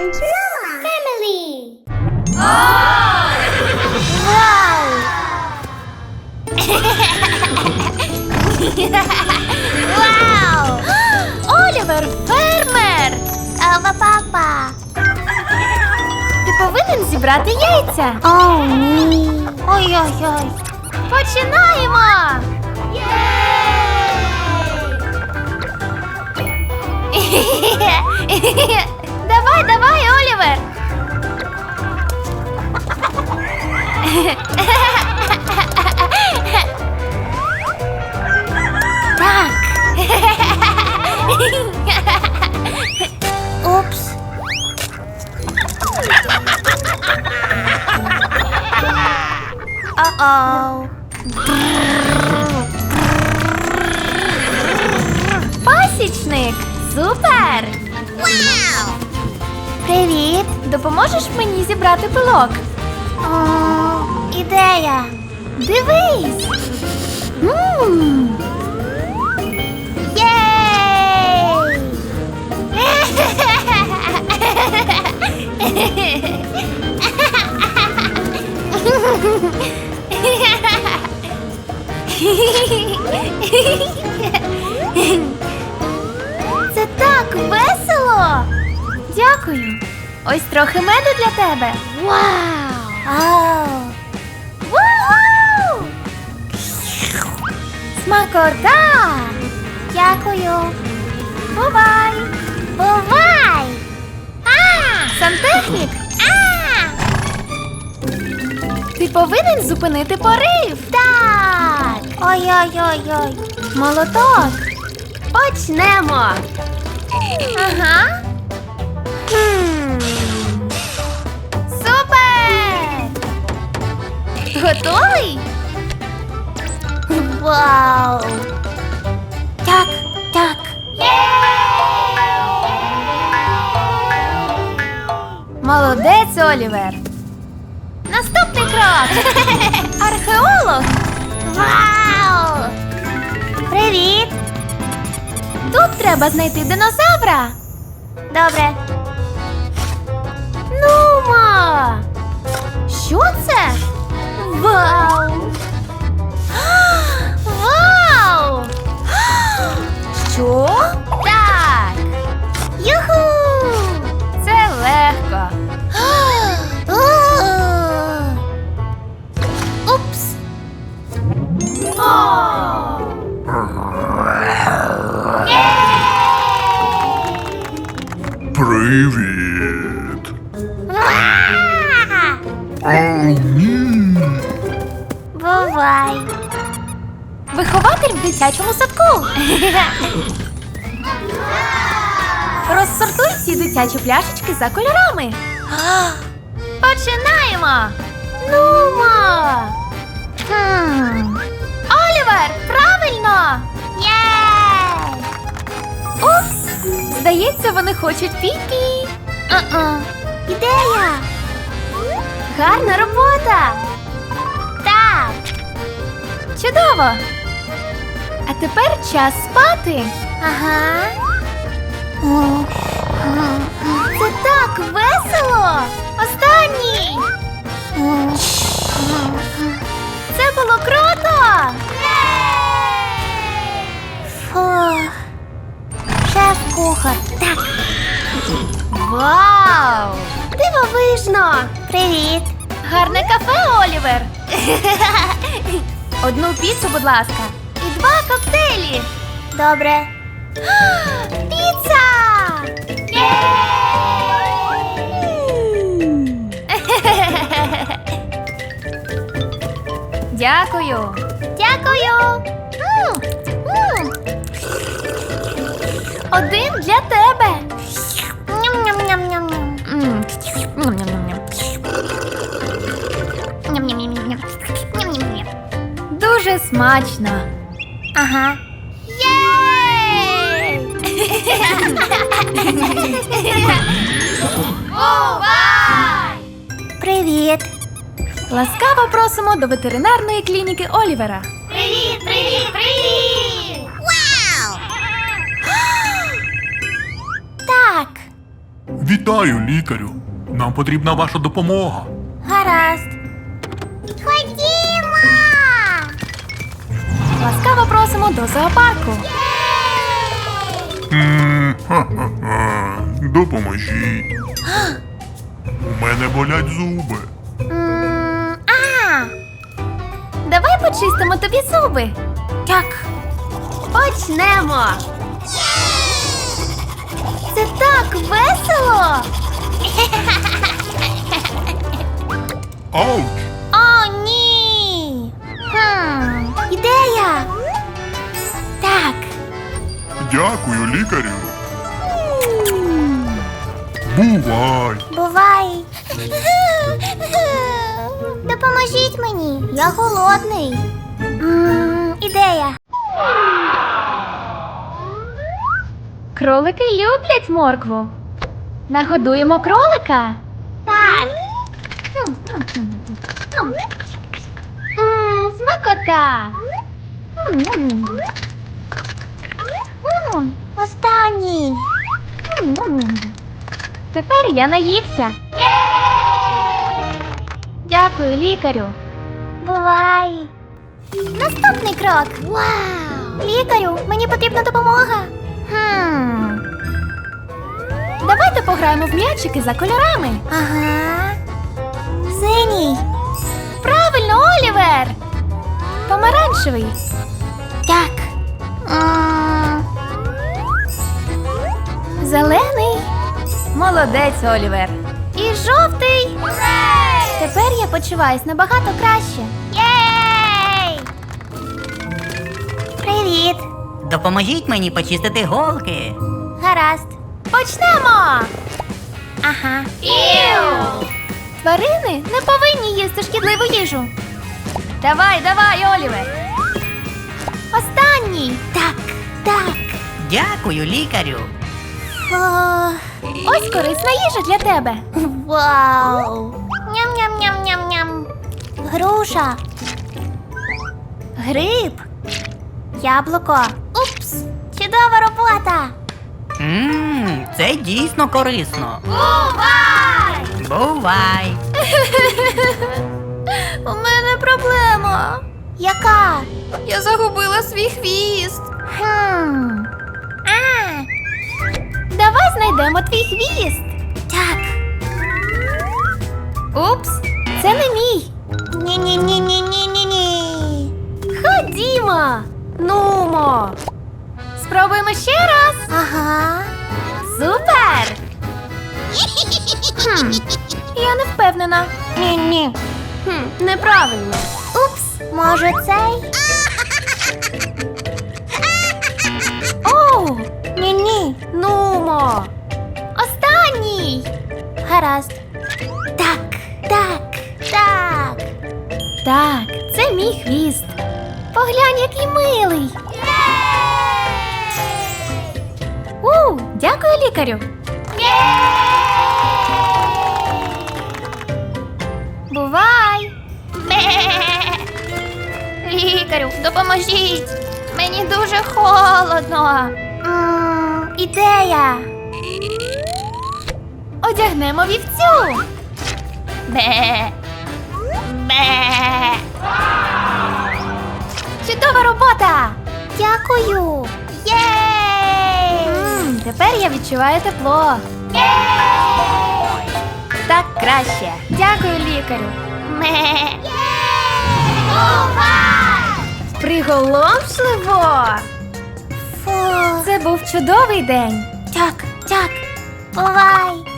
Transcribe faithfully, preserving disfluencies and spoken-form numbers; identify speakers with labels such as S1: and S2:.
S1: and Noah family.
S2: Вау! Вау! Олівер, фермер!
S1: Ава папа.
S2: Ти повинен зібрати яйця.
S1: О, ні.
S2: Ой-ой-ой. Починаємо! Давай, давай, Олівер!
S1: Так. Упс.
S2: О-оу. Пасічник! Супер!
S1: Вау! Привіт.
S2: Допоможеш мені зібрати пилок?
S1: О, ідея.
S2: Дивись!
S1: Мм. Єй!
S2: Це так весело! Дякую! Ось трохи меду для тебе.
S1: Вау! Ау!
S2: Вау! Смакота!
S1: Дякую.
S2: Бувай!
S1: Бувай! А!
S2: Сантехнік,
S1: А!
S2: ти повинен зупинити порив.
S1: Так! Ой-ой-ой-ой.
S2: Молоток. Почнемо. Ага.
S1: Хм.
S2: Супер! Готовий?
S1: Вау! Так, так.
S2: Молодець, Олівер. Наступний крок. Археолог.
S1: Вау! Привіт!
S2: Тут треба знайти динозавра.
S1: Добре.
S2: Нумо! Що це? Вау! Вау! Що? Так!
S1: Юху!
S2: Це легко.
S1: Упс!
S3: Привіт!
S1: Ва!
S3: О, ні!
S1: Бувай!
S2: Вихователь в дитячому садку. Розсортуй всі дитячі пляшечки за кольорами. Починаємо. Нумо!
S1: Хм.
S2: Олівер, правильно!
S1: Єй!
S2: Упс! Здається, вони хочуть пі-пі.
S1: Uh-uh. Ідея!
S2: Гарна робота!
S1: Так!
S2: Чудово! А тепер час спати.
S1: Ага.
S2: Це так весело! Останній! Це було круто!
S1: Фух. Шеф-кухар. Так.
S2: Вау! Дивовижно!
S1: Привіт.
S2: Гарне кафе, Олівер! Одну піцу, будь ласка, і два коктейлі.
S1: Добре.
S2: Піца! Дякую.
S1: Дякую.
S2: М, м. Один для тебе.
S1: Ням-ням-ням-ням.
S2: М. Ням-ням-ням-ням.
S1: Ням-ням-ням-ням. Ням-ням-ням.
S2: Дуже смачно.
S1: Ага.
S2: Єй! Бувай!
S1: Привіт.
S2: Ласкаво просимо до ветеринарної клініки Олівера.
S1: Привіт, привіт, привіт! Вау! Так.
S3: Вітаю, лікарю. Нам потрібна ваша допомога.
S1: Гаразд. Ходімо!
S2: Ласкаво просимо до зоопарку.
S3: М, ха-ха-ха. Допоможіть. У мене болять зуби.
S1: М, А!
S2: Давай почистимо тобі зуби.
S1: Так.
S2: Почнемо. Це так весело.
S3: Ауч!
S1: О, ні! Хм, ідея! Так.
S3: Дякую, лікарю. Бувай!
S1: Бувай. Допоможіть мені, я голодний. М, Ідея.
S2: Кролики люблять моркву. Нагодуємо кролика.
S1: Так.
S2: Мм, смакота. М-м. М,
S1: Останній.
S2: м-м. Тепер я наївся. Дякую, лікарю.
S1: Бувай. Наступний крок. Вау! Лікарю, мені потрібна допомога. Хм.
S2: Давайте пограємо в м'ячики за кольорами.
S1: Ага. Синій.
S2: Правильно, Олівер. Помаранчевий.
S1: Так. М,
S2: Зелений. Молодець, Олівер. І жовтий. Тепер я почуваюсь набагато краще.
S1: Єй! Привіт.
S4: Допоможіть мені почистити голки.
S1: Гаразд.
S2: Почнемо!
S1: Ага.
S2: Іу! Тварини не повинні їсти шкідливу їжу. Давай, давай, Олівер. Останній.
S1: Так, так.
S4: Дякую, лікарю.
S1: О,
S2: Ось корисна їжа для тебе.
S1: вау. Ням-ням-ням-ням-ням. Груша. Гриб. Яблуко. Упс. Чудова робота.
S4: Ммм, це дійсно корисно.
S1: Бувай!
S4: Бувай!
S2: У мене проблема.
S1: Яка?
S2: Я загубила свій хвіст.
S1: Хм. А,
S2: Давай знайдемо твій хвіст.
S1: так.
S2: Упс, це не мій.
S1: Ні-ні-ні-ні-ні-ні.
S2: Ходімо. Нумо. Спробуємо ще раз.
S1: Ага.
S2: Супер! Хм, я не впевнена.
S1: Ні-ні.
S2: Хм, неправильно.
S1: Упс, може цей?
S2: Оу,
S1: Ні-ні.
S2: нумо. Останній.
S1: Гаразд. Так, так, так.
S2: Так, це мій хвіст. Поглянь, який милий. У, дякую, лікарю. Бувай. Лікарю, допоможіть. Мені дуже холодно.
S1: М, Ідея.
S2: Одягнемо вівцю. Бе. Бе. Чудова робота.
S1: Дякую. Єй!
S2: М, тепер я відчуваю тепло. Так краще. Дякую, лікарю.
S1: Ме. Бувай!
S2: Приголомшливо.
S1: Фу.
S2: Це був чудовий день.
S1: Так, так. Бувай.